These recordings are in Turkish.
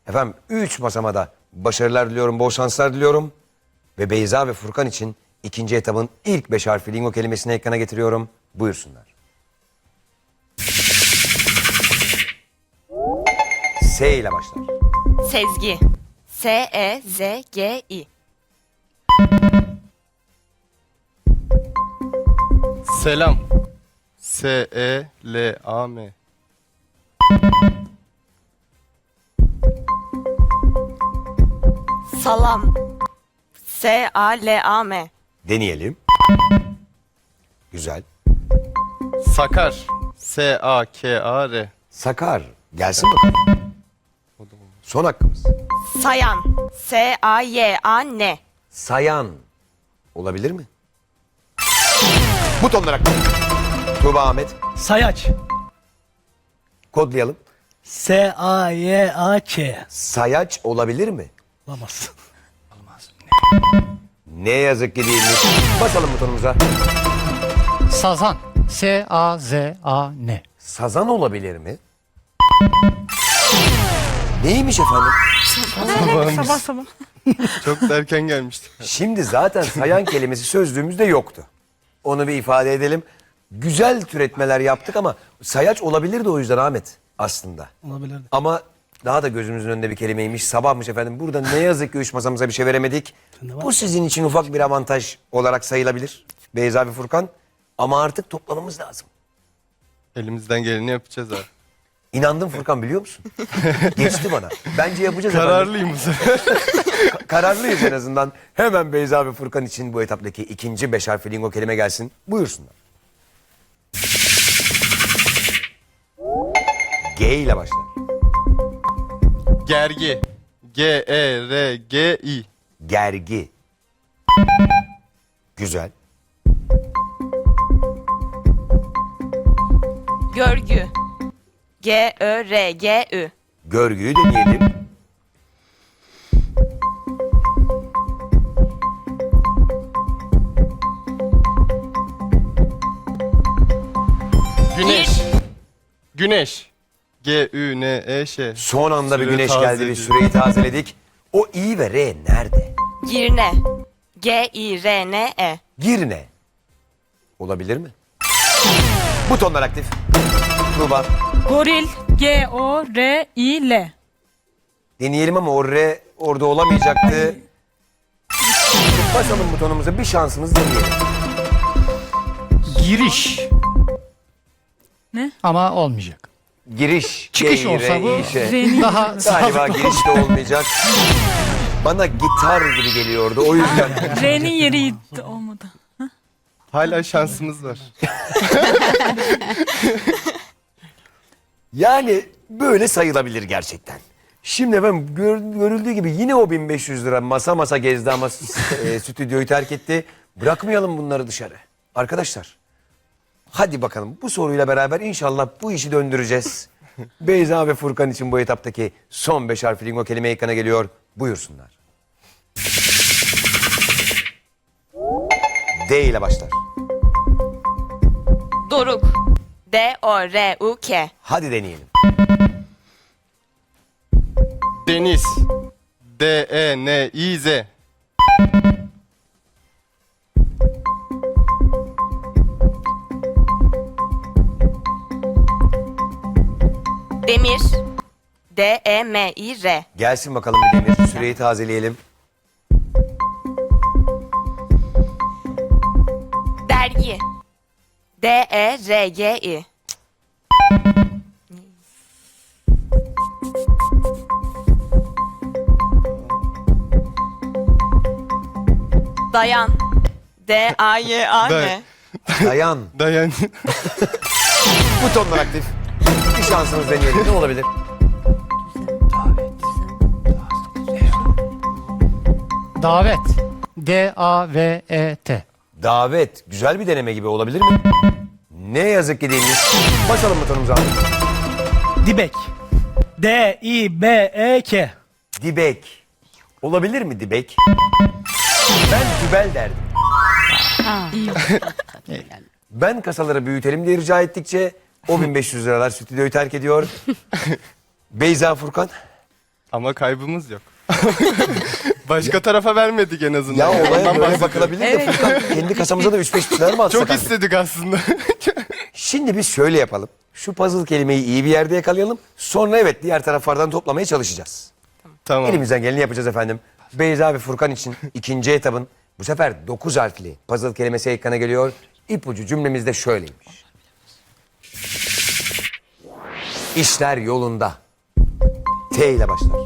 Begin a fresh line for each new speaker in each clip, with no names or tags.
Efendim 3 masamada başarılar diliyorum, bol şanslar diliyorum. Ve Beyza ve Furkan için ikinci etabın ilk 5 harfli lingo kelimesini ekrana getiriyorum. Buyursunlar. S ile başlar.
Sezgi. S-E-Z-G-I.
Selam. S-E-L-A-M.
Salam. S-A-L-A-M.
Deneyelim. Güzel.
Sakar. S-A-K-A-R.
Sakar. Gelsin bakalım. Son hakkımız.
Sayan. S-A-Y-A-N.
Sayan. Olabilir mi? Butonlar hakkı. Tuğba Ahmet.
Sayaç.
Kodlayalım.
S-A-Y-A-Ç.
Sayaç olabilir mi?
Olamaz.
Ne yazık ki değilmiş. Basalım butonumuza.
Sazan. S-A-Z-A-N.
Sazan olabilir mi? Neymiş efendim?
Sabah sabah. Çok da erken gelmişti.
Şimdi zaten sayan kelimesi sözlüğümüzde yoktu. Onu bir ifade edelim. Güzel türetmeler yaptık ama sayaç olabilirdi o yüzden Ahmet aslında.
Olabilirdi.
Ama daha da gözümüzün önünde bir kelimeymiş. Sabahmış efendim. Burada ne yazık ki 3 masamıza bir şey veremedik. Bu sizin için ufak bir avantaj olarak sayılabilir. Beyza ve Furkan. Ama artık toplamamız lazım.
Elimizden geleni yapacağız abi.
İnandım Furkan biliyor musun? Geçti bana. Bence yapacağız efendim.
Kararlıyım bu sefer.
Kararlıyız en azından. Hemen Beyza ve Furkan için bu etaptaki ikinci 5 harfli lingo kelime gelsin. Buyursunlar. G ile başlar.
Gergi. G-E-R-G-I.
Gergi. Güzel.
Görgü. G-Ö-R-G-Ü.
Görgüyü deneyelim.
Güneş. Güneş. G-Ü-N-E-Ş.
Son anda bir
Süre
güneş geldi. Bir
tazeledik.
süreyi tazeledik. O İ ve R nerede?
Girne. G-I-R-N-E.
Girne. Olabilir mi? Butonlar aktif. Tuğba.
Goril. G-O-R-İ-L.
Deneyelim ama o R orada olamayacaktı. Basalım butonumuza, bir şansımız deneyelim.
Giriş.
Ne?
Ama olmayacak.
Giriş.
Çıkış
G,
olsa
R,
bu
İ, Ş.
daha
Galiba
sağlıklı.
giriş de olmayacak. Bana gitar gibi geliyordu o yüzden.
R'nin yeri olmadı.
Hala şansımız var.
Yani böyle sayılabilir gerçekten. Şimdi efendim görüldüğü gibi yine o 1500 lira masa gezdi ama stüdyoyu terk etti. Bırakmayalım bunları dışarı. Arkadaşlar hadi bakalım bu soruyla beraber inşallah bu işi döndüreceğiz. Beyza ve Furkan için bu etaptaki son 5 harfli lingo kelime ekrana geliyor. Buyursunlar. D ile başlar.
Doruk. D-O-R-U-K.
Hadi deneyelim.
Deniz. D-E-N-İ-Z.
Demir. D-E-M-İ-R.
Gelsin bakalım bir demir. Süreyi tazeleyelim.
Dergi. D-E-R-G-I. Dayan. D-A-Y-A-N.
Dayan.
Dayan.
Butonlar aktif. Bir şansımız deneyelim. Ne olabilir?
Davet. D-A-V-E-T.
Davet. Güzel bir deneme gibi olabilir mi? Ne yazık ki değilmiş. Basalım butonumuza.
Dibek. D-İ-B-E-K.
Dibek. Olabilir mi dibek? Ben dübel derdim. Ben kasaları büyütelim diye rica ettikçe o 1500 liralar stüdyoyu terk ediyor. Beyza Furkan.
Ama kaybımız yok. Başka tarafa vermedik en azından.
Ya olaya
Ondan
böyle
bahsediyorum.
bakılabilir de Furkan, kendi kasamıza da 3-5 bir şeyler mi atsak?
Çok
artık?
istedik aslında.
Şimdi biz şöyle yapalım. Şu puzzle kelimeyi iyi bir yerde yakalayalım. Sonra evet diğer taraflardan toplamaya çalışacağız.
Tamam.
Elimizden geleni yapacağız efendim. Beyza ve Furkan için ikinci etabın bu sefer 9 harfli puzzle kelimesi ekrana geliyor. İpucu cümlemizde şöyleymiş. İşler yolunda. T ile başlar.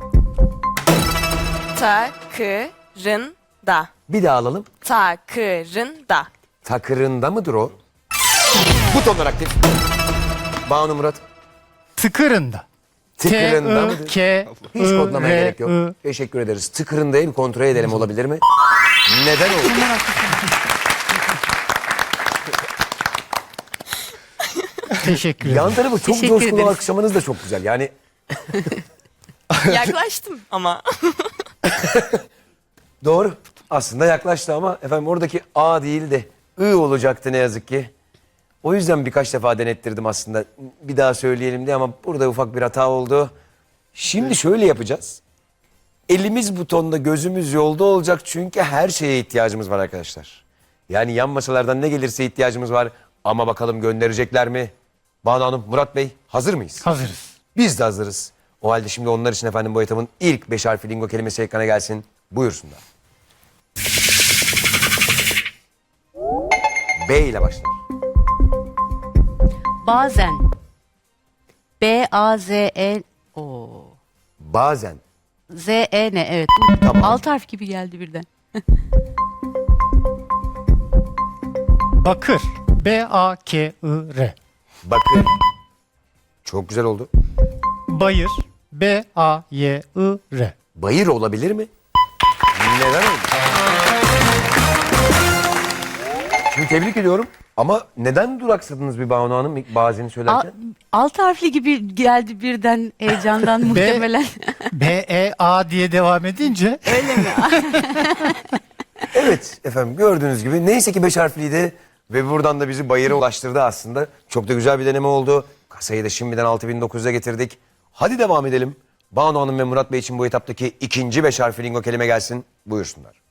Takırında.
Bir daha alalım.
Takırında.
Takırında mıdır o? Butonlar aktif. Banu Murat.
Tıkırında.
Tıkırında mıdır?
K,
Hiç kodlamaya gerek yok.
I.
Teşekkür ederiz. Tıkırındayı bir kontrol edelim, olabilir mi? Neden oldu?
Teşekkür ederim.
Yan tarafı çok
Teşekkür
coşkulu
ederiz.
alkışlamanız da çok güzel. Yani
Yaklaştım ama.
doğru. Aslında yaklaştı ama efendim oradaki A değil de I olacaktı ne yazık ki. O yüzden birkaç defa denettirdim aslında. Bir daha söyleyelim diye ama burada ufak bir hata oldu. Şimdi şöyle yapacağız. Elimiz butonda, gözümüz yolda olacak çünkü her şeye ihtiyacımız var arkadaşlar. Yani yan masalardan ne gelirse ihtiyacımız var. Ama bakalım gönderecekler mi? Banu Hanım, Murat Bey hazır mıyız?
Hazırız.
Biz de hazırız. O halde şimdi onlar için efendim bu etabın ilk 5 harfli lingo kelimesi ekrana gelsin. Buyursunlar. B ile başlar.
Bazen. B-A-Z-E. O.
Bazen.
Z-E-N evet.
Tamam.
Alt harf gibi geldi birden.
Bakır. B-A-K-I-R.
Bakın. Çok güzel oldu.
Bayır. B-A-Y-I-R.
Bayır olabilir mi? Neden oldu? Şimdi tebrik ediyorum. Ama neden duraksadınız bir Banu Hanım ilk bazeni söylerken?
Alt harfli gibi geldi birden heyecandan muhtemelen.
B-E-A diye devam edince
Evet efendim gördüğünüz gibi neyse ki 5 harfliydi ve buradan da bizi bayıra ulaştırdı aslında. Çok da güzel bir deneme oldu. Kasayı da şimdiden 6900'e getirdik. Hadi devam edelim. Banu Hanım ve Murat Bey için bu etaptaki ikinci 5 harfli lingo kelime gelsin. Buyursunlar.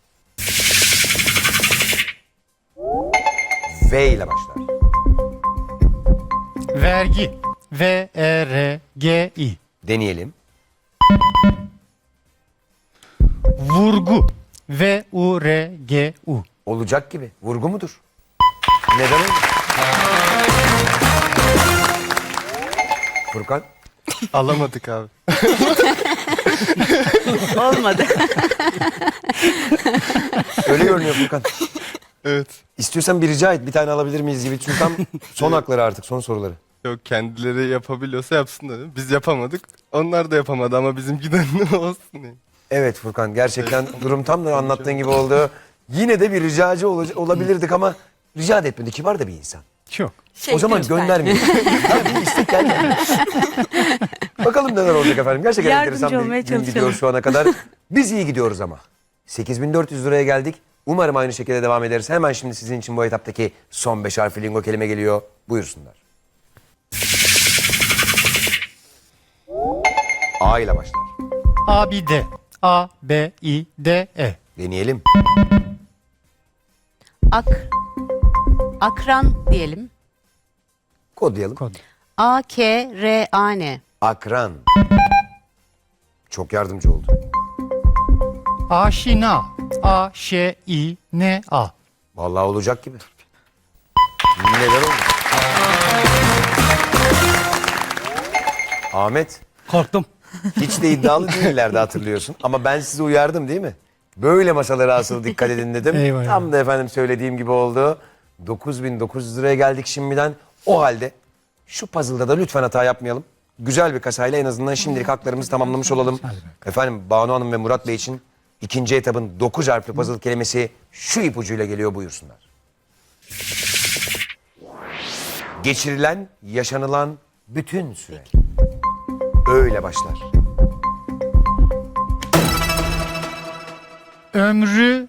V ile başlar.
vergi. V-E-R-G-I.
Deneyelim.
Vurgu. V-U-R-G-U.
Olacak gibi. Vurgu mudur? Neden oldu? Furkan.
Alamadık abi.
Olmadı.
Öyle görünüyor Furkan.
Evet.
İstiyorsan bir rica et. Bir tane alabilir miyiz gibi. Çünkü tam son hakları artık. Son soruları.
Yok, kendileri yapabiliyorsa yapsın dedim. Biz yapamadık. Onlar da yapamadı ama bizimkiden ne olsun diye.
Evet Furkan. Gerçekten durum tam da anlattığın gibi oldu. Yine de bir ricacı olabilirdik ama rica da etmedi. Kibar da bir insan.
Çok.
O zaman göndermeyin. Ya bir istek geldi. Bakalım neler olacak efendim. Gerçekten
Yardımcı
enteresan
olmaya
bir gün gidiyor
çalışalım.
şu ana kadar. Biz iyi gidiyoruz ama. 8400 liraya geldik. Umarım aynı şekilde devam ederiz. Hemen şimdi sizin için bu etaptaki son 5 harfli lingo kelime geliyor. Buyursunlar. A ile başlar.
A-B-D. A-B-I-D-E.
Deneyelim.
Akran diyelim.
Kodlayalım.
Kod.
A-K-R-A-N.
Akran. Çok yardımcı oldu.
Aşina. A-Ş-İ-N-A.
Vallahi olacak gibi. Neler oldu? Ahmet,
Korktum.
hiç de iddialı değillerdi hatırlıyorsun. Ama ben sizi uyardım değil mi? Böyle masalara asıl dikkat edin dedim.
Eyvah,
Tam da efendim söylediğim gibi oldu. 9900 liraya geldik şimdiden. O halde şu puzzle'da da lütfen hata yapmayalım. Güzel bir kasayla en azından şimdilik haklarımızı tamamlamış olalım. Efendim Banu Hanım ve Murat Bey için ikinci etabın 9 harfli puzzle kelimesi şu ipucuyla geliyor, buyursunlar. Geçirilen, yaşanılan bütün süre. Öyle başlar.
Ömrü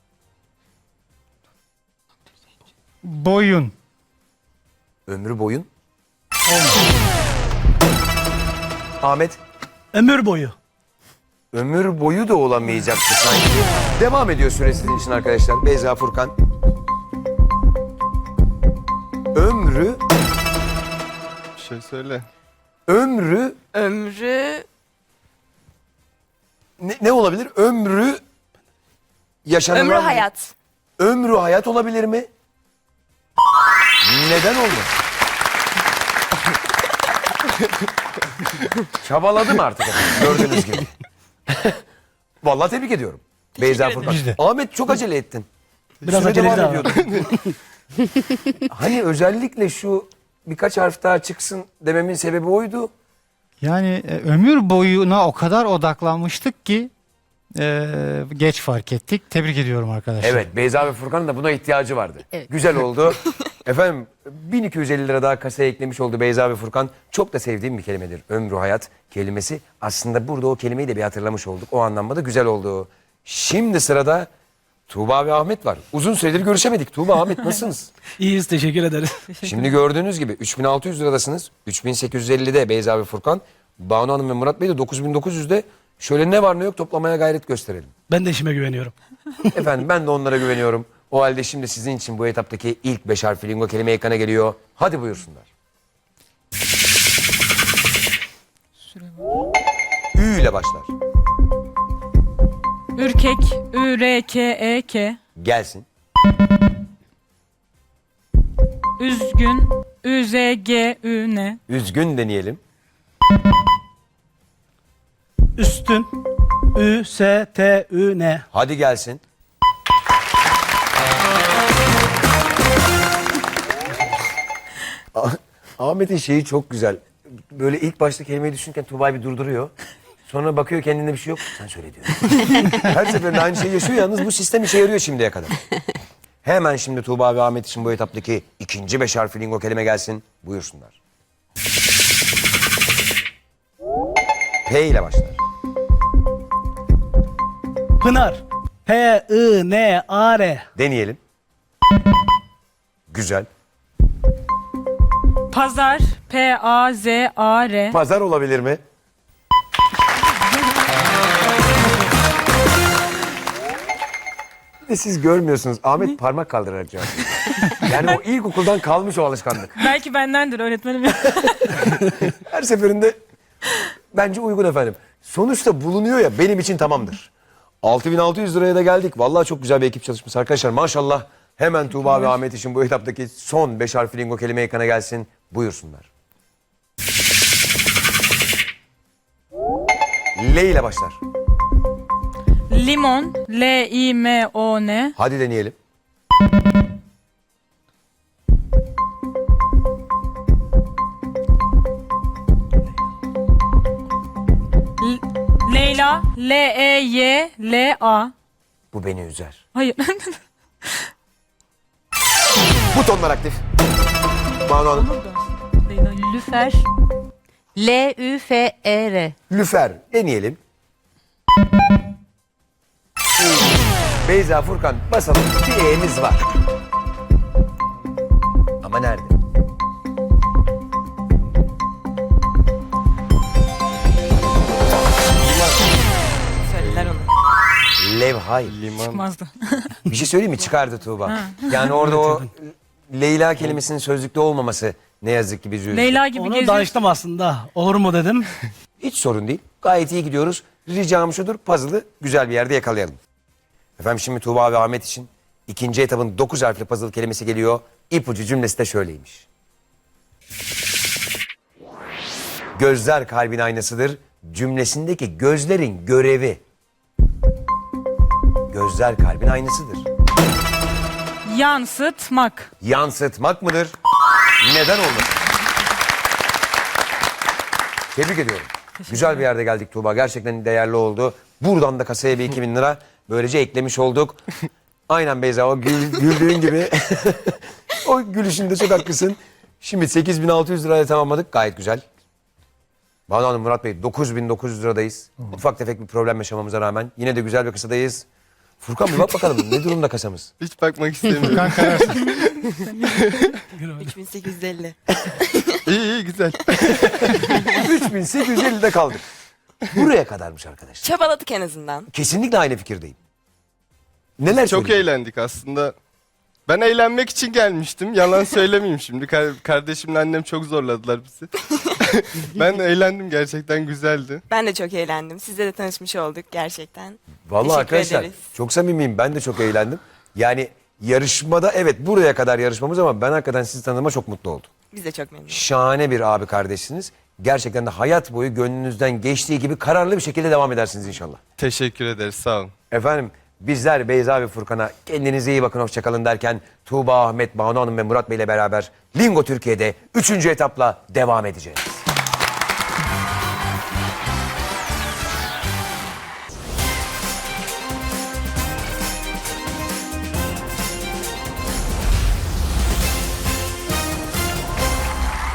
boyun.
Ömrü boyun. Ahmet,
Ömür boyu.
Ömür boyu da olamayacaktı sanki. Devam ediyor süre sizin için arkadaşlar. Beyza, Furkan. Ömrü,
Bir şey söyle.
ömrü
Ömrü
ne olabilir? Ömrü yaşanılan...
ömrü hayat.
Ömrü hayat olabilir mi? Neden olmaz? Çabaladım artık efendim, gördüğünüz gibi. Vallahi tebrik ediyorum. Beyza, Furkan.
Biz de.
Ahmet çok acele ettin.
Biraz
Süre
aceleci
devam
ama.
ediyordun. Hani özellikle şu birkaç harf daha çıksın dememin sebebi oydu.
Yani ömür boyuna o kadar odaklanmıştık ki geç fark ettik. Tebrik ediyorum arkadaşlar.
Evet, Beyza ve Furkan'ın da buna ihtiyacı vardı.
Evet.
Güzel oldu. Efendim 1250 lira daha kasaya eklemiş oldu Beyza ve Furkan. Çok da sevdiğim bir kelimedir. Ömrü hayat kelimesi. Aslında burada o kelimeyi de bir hatırlamış olduk. O anlamda da güzel oldu. Şimdi sırada Tuğba ve Ahmet var. Uzun süredir görüşemedik. Tuğba, Ahmet nasılsınız?
İyiyiz, teşekkür ederiz.
Şimdi gördüğünüz gibi 3600 liradasınız. 3850'de Beyza ve Furkan. Banu Hanım ve Murat Bey de 9900'de. Şöyle ne var ne yok toplamaya gayret gösterelim.
Ben de işime güveniyorum.
Efendim ben de onlara güveniyorum. O halde şimdi sizin için bu etaptaki ilk 5 harfli lingo kelime ekrana geliyor. Hadi buyursunlar. Ü ile başlar.
Ürkek. Ü-R-K-E-K.
Gelsin.
Üzgün. Ü-Z-G-Ü-N.
Üzgün deneyelim.
Üstün. Ü-S-T-Ü-N.
Hadi gelsin. Ahmet'in şeyi çok güzel. Böyle ilk başta kelimeyi düşünürken Tuğba'yı bir durduruyor. Sonra bakıyor kendinde bir şey yok. Sen söyle diyor. Her seferinde aynı şeyi yaşıyor. Yalnız bu sistem işe yarıyor şimdiye kadar. Hemen şimdi Tuğba ve Ahmet için bu etaptaki ikinci 5 harfli lingo kelime gelsin. Buyursunlar. P ile başlar.
Pınar. P-I-N-A-R.
Deneyelim. Güzel.
Pazar. P-A-Z-A-R.
Pazar olabilir mi? Bir de siz görmüyorsunuz. Ahmet parmak kaldırarak cevap veriyor. Yani o ilkokuldan kalmış o alışkanlık.
Belki bendendir öğretmenim.
Her seferinde bence uygun efendim. Sonuçta bulunuyor ya, benim için tamamdır. 6600 liraya da geldik. Vallahi çok güzel bir ekip çalışması arkadaşlar. Maşallah. Hemen Tuğba ve Ahmet için bu etaptaki son 5 harfli lingo kelime ekrana gelsin. Buyursunlar. L ile başlar.
Limon. L-I-M-O-N.
Hadi deneyelim.
Leyla. L-E-Y-L-A.
Bu beni üzer.
Hayır.
Butonlar aktif. Banu Hanım.
Leyla.
Lüfer. L-Ü-F-E-R.
Lüfer. Deneyelim. Beyza, Furkan basalım. Bir E'miz var. Ama nerede?
Söyler onu.
Levhay.
Liman.
Çıkmazdı.
Bir şey söyleyeyim mi? Çıkardı Tuğba. Yani orada o Leyla kelimesinin sözlükte olmaması ne yazık ki bizi üzdü.
Leyla gibi
Onu
geziyor.
danıştım aslında. Olur mu dedim.
Hiç sorun değil. Gayet iyi gidiyoruz. Ricam şudur, puzzle'ı güzel bir yerde yakalayalım. Efendim şimdi Tuğba ve Ahmet için ikinci etapın 9 harfli puzzle kelimesi geliyor. İpucu cümlesi de şöyleymiş. Gözler kalbin aynasıdır. Cümlesindeki gözlerin görevi. Gözler kalbin aynasıdır.
Yansıtmak.
Yansıtmak mıdır? Neden olmasın? Tebrik ediyorum. Güzel bir yerde geldik Tuğba. Gerçekten değerli oldu. Buradan da kasaya bir 2000 lira böylece eklemiş olduk. Aynen Beyza, o güldüğün gibi. O gülüşünde çok haklısın. Şimdi 8600 lirayla tamamladık. Gayet güzel. Banu Hanım, Murat Bey 9900 liradayız. Ufak tefek bir problem yaşamamıza rağmen yine de güzel bir kasadayız. Furkan bir bak bakalım ne durumda kasamız?
Hiç bakmak istemiyorum.
Furkan kararsın.
3850.
İyi iyi güzel.
3850'de kaldık. Buraya kadarmış arkadaşlar.
Çabaladık en azından.
Kesinlikle aynı fikirdeyim. Neler
Çok
söyleyeyim?
eğlendik aslında. Ben eğlenmek için gelmiştim. Yalan söylemeyeyim şimdi. Kardeşimle annem çok zorladılar bizi. Ben de eğlendim, gerçekten güzeldi.
Ben de çok eğlendim. Sizle de tanışmış olduk gerçekten.
Vallahi
Teşekkür
arkadaşlar
ederiz.
çok samimiyim. Ben de çok eğlendim. Yani yarışmada evet buraya kadar yarışmamız ama ben hakikaten sizi tanıdığıma çok mutlu oldum.
Biz de çok memnunuz.
Şahane bir abi kardeşsiniz. Gerçekten de hayat boyu gönlünüzden geçtiği gibi kararlı bir şekilde devam edersiniz inşallah.
Teşekkür ederiz, sağ olun.
Efendim bizler Beyza ve Furkan'a kendinize iyi bakın hoşçakalın derken Tuğba, Ahmet, Banu Hanım ve Murat Bey ile beraber Lingo Türkiye'de 3. etapla devam edeceğiz.